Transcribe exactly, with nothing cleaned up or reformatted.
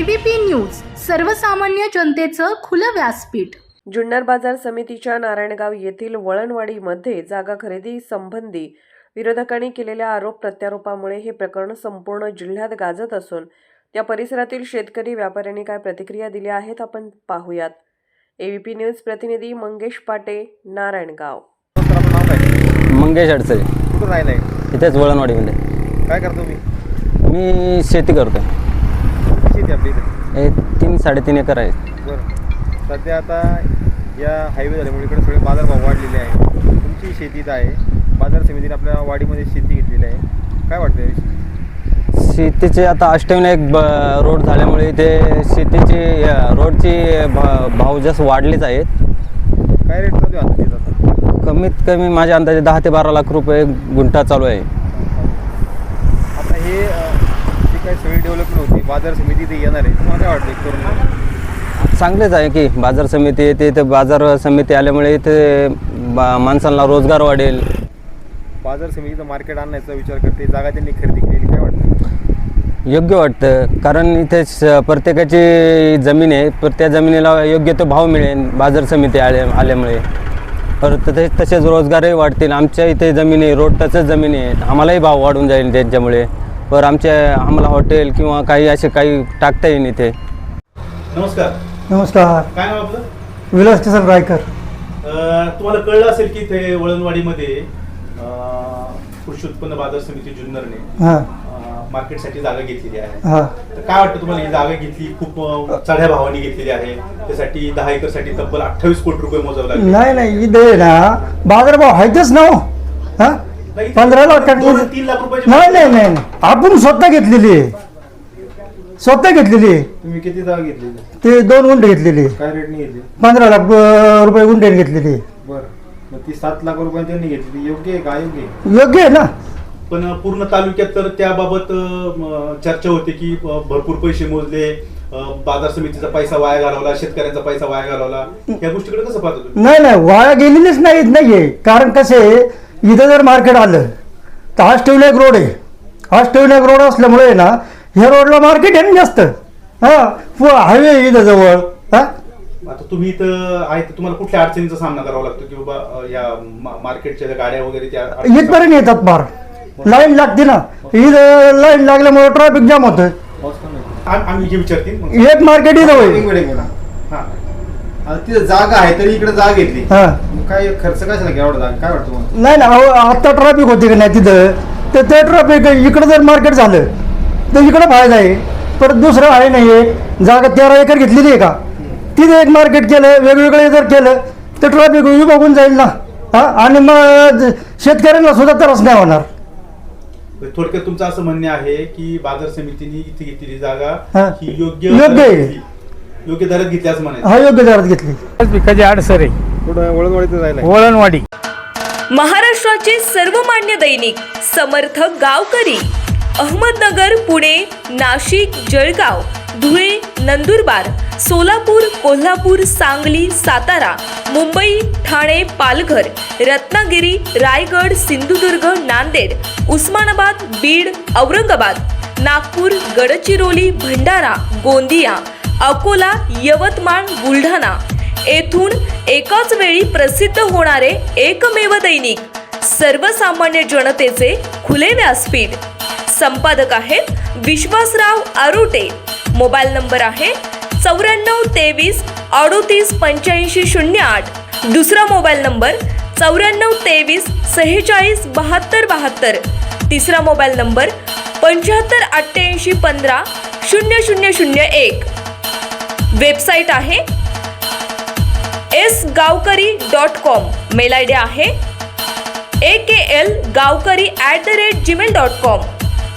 ABP news, सर्वसामान्य जनतेचं खुलं व्यासपीठ। जुन्नर बाजार समितीच्या नारायणगाव येथील वळणवाडीमध्ये जागा खरेदी संबंधी विरोधकांनी केलेल्या आरोप प्रत्यारोपामुळे हे प्रकरण संपूर्ण जिल्ह्यात गाजत असून त्या परिसरातील शेतकरी व्यापाऱ्यांनी काय प्रतिक्रिया दिल्या आहेत आपण पाहूयात। एबीपी न्यूज प्रतिनिधी मंगेश पाटे, नारायणगाव। मंगेश अडचणी कुठं राहिलाय? इथेच वळणवाडीमध्ये। काय करतो मी? मी शेती करतो। शेती आपली इथे हे तीन साडेतीन एकर आहे। बरं, सध्या आता या हायवे झाल्यामुळे इकडे सगळे बाजारभाव वाढलेले आहे। तुमची शेतीत आहे, बाजार समितीने आपल्या वाडीमध्ये शेती घेतलेली आहे, काय वाटतं याविषयी? शेतीचे आता अष्टविनायक एक रोड झाल्यामुळे ते शेतीची रोडची भाव जास्त वाढलेच आहेत। काय रेट चालू आहे आता? कमीत कमी माझ्या अंदाजे दहा ते बारा लाख रुपये गुंठा चालू आहे। आता हे जी काही सगळी डेव्हलपमेंट होती, बाजार समिती इथे येणार आहे, तुम्हाला काय वाटतं करून? चांगलेच आहे की बाजार समिती येते, इथे बाजार समिती आल्यामुळे इथे माणसांना रोजगार वाढेल। बाजार समितीचं मार्केट आणण्याचा विचार करते, जागा त्यांनी खरेदी केलेली, काय वाटतं? योग्य वाटतं, कारण इथे प्रत्येकाची जमीन आहे, तर त्या जमिनीला योग्य तो भाव मिळेल बाजार समिती आल्या आल्यामुळे। परत तसे तसेच रोजगारही वाढतील। आमच्या इथे जमिनी रोड टचच जमिनी आहेत, आम्हालाही भाव वाढून जाईल त्यांच्यामुळे। पर आमच्या आम्हाला हॉटेल किंवा काही असे काही टाकता येईल इथे। नमस्कार। नमस्कार। काय नाव आपलं? विलास किसन रायकर। तुम्हाला कळलं असेल की ते वळणवाडीमध्ये कृषी उत्पन्न बाजार समिती जुन्नरने हां मार्केटसाठी जागा घेतलेली आहे। हां तर काय वाटतं तुम्हाला? ही जागा घेतली खूप चढ्या भावाने घेतलेली आहे, त्यासाठी दहा एकर साठी तब्बल अठ्ठावीस कोटी रुपये मोजावे लागले। नाही नाही, इथे ना बाजारभाव आहेतच ना हो। हां नाही, पंधरा लाख दोन तीन लाख रुपयाची नाही नाही नाही, आपण स्वतः घेतलेली आहे, स्वतः घेतलेली आहे। तुम्ही किती जागा घेतली? ते दोन गुंठे घेतलेली आहे, काय रेटने घेतली? पंधरा लाख अं, रुपये गुंठ्याने घेतलेली आहे। बरं, मग ती सात लाख रुपये त्यांनी घेतली, योग्य आहे का अयोग्य आहे? योग्य आहे ना। पण पूर्ण तालुक्यात तर त्याबाबत अं, चर्चा होते की अं, भरपूर पैसे मोजले, अं, बाजार समितीचा पैसा वाया घालवला, शेतकऱ्यांचा पैसा वाया घालवला, या गोष्टीकडे कसं पाहतो तुम्ही? नाही नाही, वाया गेलेलीच नाही नाहीये। कारण कसे इथं जर मार्केट आलं तर हा स्टेवलेक रोड आहे, हा स्टेवलेक रोड असल्यामुळे ना ह्या रोडला मार्केट आहे ना जास्त। हां हायवे इथं जवळ। हां आता तुम्ही इथं आहे तर तुम्हाला कुठल्या अडचणीचा सामना करावा लागतो की बाबा अं, या मा- मार्केटच्या ज्या गाड्या वगैरे त्या इथपर्यंत येतात, फार लाईन लागते ना, इथं लाईन लागल्यामुळे ट्रॅफिक जाम होतं। आम- आम्ही जे विचारतील मग. एक मार्केट इथं होईल। हा. आता तिथं जागा आहे तरी इकडे जागा घेतली, हां मग काय खर्च कशाला घ्या एवढा जागा? काय वाटतं तुम्हाला? नाही ना, अहो, आता ट्रॅफिक होते का नाही तिथं, तर ते ट्रॅफिक इकडं जर मार्केट झालं तर इकडं फायदा आहे। परत दुसरं आहे नाही आहे, जागा तेरा एकर घेतलेली आहे का, तिथे एक मार्केट केलं, वेगवेगळे जर केलं तर ट्रॅफिक विभागून जाईल ना। हां आणि मग शेतकऱ्यांना सुद्धा त्रास नाही होणार। थोडक्यात तुमचं असं म्हणणे आहे की बाजार समितीने इथे घेतलेली जागा हा. ही योग्य योग्य दरात आहे. घेतली, योग्य दरात घेतली असं म्हणायचं। हा योग्य दरात घेतली। पिकाची आडसर आहे थोडं वळणवळीत राहिला वळणवाडी। महाराष्ट्राचे सर्वमान्य दैनिक समर्थ गावकरी अहमदनगर, पुणे, नाशिक, जळगाव, धुळे, नंदुरबार, सोलापूर, कोल्हापूर, सांगली, सातारा, मुंबई, ठाणे, पालघर, रत्नागिरी, रायगड, सिंधुदुर्ग, नांदेड, उस्मानाबाद, बीड, औरंगाबाद, नागपूर, गडचिरोली, भंडारा, गोंदिया, अकोला, यवतमाळ, बुलढाणा येथून एकाच वेळी प्रसिद्ध होणारे एकमेव दैनिक सर्वसामान्य जनतेचे खुले व्यासपीठ। संपादक आहेत विश्वासराव आरोटे। मोबाईल नंबर आहे चौऱ्याण्णव तेवीस अडोतीस पंच्याऐंशी शून्य आठ। दुसरा मोबाईल नंबर चौऱ्याण्णव तेवीस सेहेचाळीस बहात्तर बहात्तर। तिसरा मोबाईल नंबर पंच्याहत्तर अठ्ठ्याऐंशी पंधरा शून्य शून्य शून्य एक। वेबसाईट आहे S Gavkari dot com. Mail I D आहे A K L Gavkari at the rate Gmail dot com.